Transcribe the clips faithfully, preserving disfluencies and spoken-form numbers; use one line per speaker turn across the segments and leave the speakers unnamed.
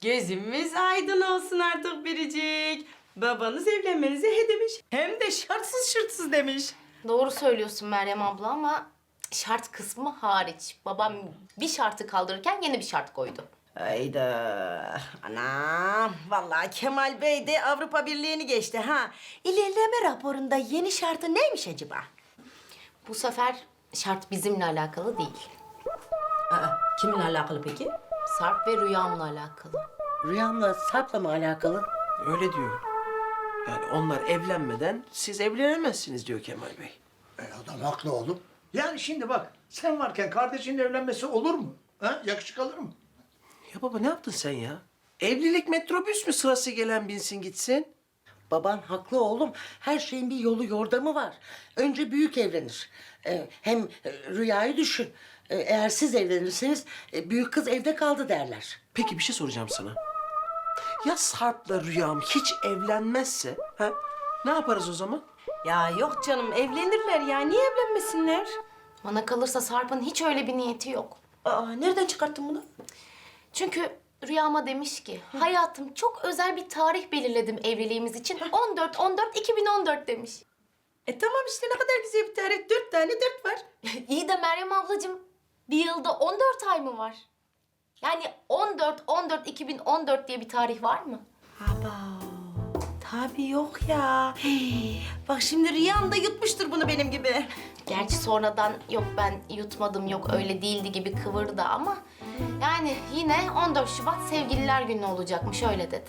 Gözümüz aydın olsun artık Biricik. Babanız evlenmenize he demiş. Hem de şartsız şırtsız demiş.
Doğru söylüyorsun Meryem abla ama şart kısmı hariç. Babam bir şartı kaldırırken yeni bir şart koydu.
Hayda. Anam. Vallahi Kemal Bey de Avrupa Birliği'ni geçti ha. İlerleme raporunda yeni şartı neymiş acaba?
Bu sefer şart bizimle alakalı değil.
Aa, kiminle alakalı peki?
Sarp ve rüyamla alakalı.
Rüyamla Sarp'la mı alakalı?
Öyle diyor. Yani onlar evlenmeden siz evlenemezsiniz diyor Kemal Bey.
E adam haklı oğlum. Yani şimdi bak, sen varken kardeşinin evlenmesi olur mu? Ha? Yakışık alır mı?
Ya baba ne yaptın sen ya? Evlilik metrobüs mü sırası gelen binsin gitsin?
Baban haklı oğlum. Her şeyin bir yolu yordamı var. Önce büyük evlenir. Ee, hem e, Rüya'yı düşün. Ee, eğer siz evlenirseniz e, büyük kız evde kaldı derler.
Peki bir şey soracağım sana. Ya Sarp'la Rüyam hiç evlenmezse ha? Ne yaparız o zaman?
Ya yok canım evlenirler ya. Niye evlenmesinler?
Bana kalırsa Sarp'ın hiç öyle bir niyeti yok.
Aa, nereden çıkarttın bunu?
Çünkü rüyama demiş ki hayatım çok özel bir tarih belirledim evliliğimiz için. on dört on dört iki bin on dört demiş.
E tamam işte ne kadar güzel bir tarih. Dört tane dört var.
İyi de Meryem ablacığım bir yılda on dört ay mı var? Yani on dört on dört iki bin on dört diye bir tarih var mı?
Aba. Tabii yok ya. Hey, bak şimdi Rüyam da yutmuştur bunu benim gibi.
Gerçi sonradan yok ben yutmadım yok öyle değildi gibi kıvırdı ama yani yine on dört Şubat Sevgililer Günü olacakmış öyle dedi.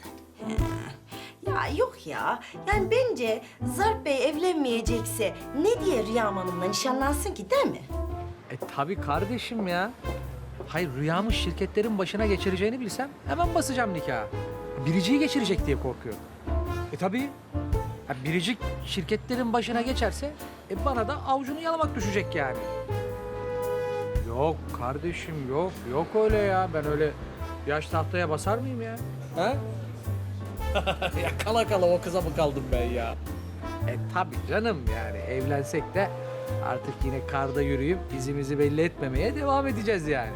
Ya yok ya. Yani bence Zarp Bey evlenmeyecekse ne diye Rüyam Hanım'la nişanlansın ki değil mi?
E tabii kardeşim ya. Hayır rüyamı şirketlerin başına geçireceğini bilsem hemen basacağım nikahı. Biricik'i geçirecek diye korkuyorum. E tabii. Ha, Biricik şirketlerin başına geçerse e bana da avucunu yalamak düşecek yani. Yok kardeşim yok. Yok öyle ya. Ben öyle yaş tahtaya basar mıyım ya? Ha? Ya kala kala o kıza mı kaldım ben ya? E tabii canım yani evlensek de artık yine karda yürüyüp izimizi belli etmemeye devam edeceğiz yani.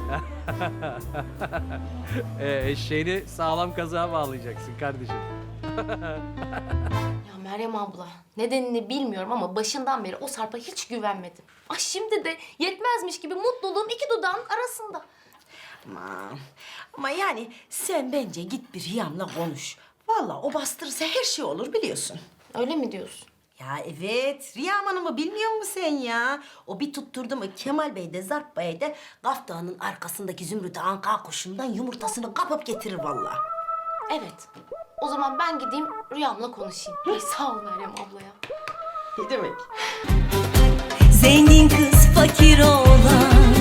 e, eşeğini sağlam kazığa bağlayacaksın kardeşim.
Ya Meryem abla nedenini bilmiyorum ama başından beri o Sarp'a hiç güvenmedim. Ay şimdi de yetmezmiş gibi mutluluğum iki dudağın arasında.
Aman. Ama yani sen bence git bir Rüyam'la konuş. Vallahi o bastırırsa her şey olur biliyorsun.
Öyle mi diyorsun?
Ya evet, Rüyam Hanım'ı bilmiyor musun sen ya? O bir tutturdu mu Kemal Bey de Zarp Bey de Gaf Dağı'nın arkasındaki Zümrüt Anka kuşundan yumurtasını kapıp getirir vallahi.
Evet. O zaman ben gideyim rüyamla konuşayım. Ay sağ ol Meryem abla ya.
Ne demek?
Zengin kız fakir oğlan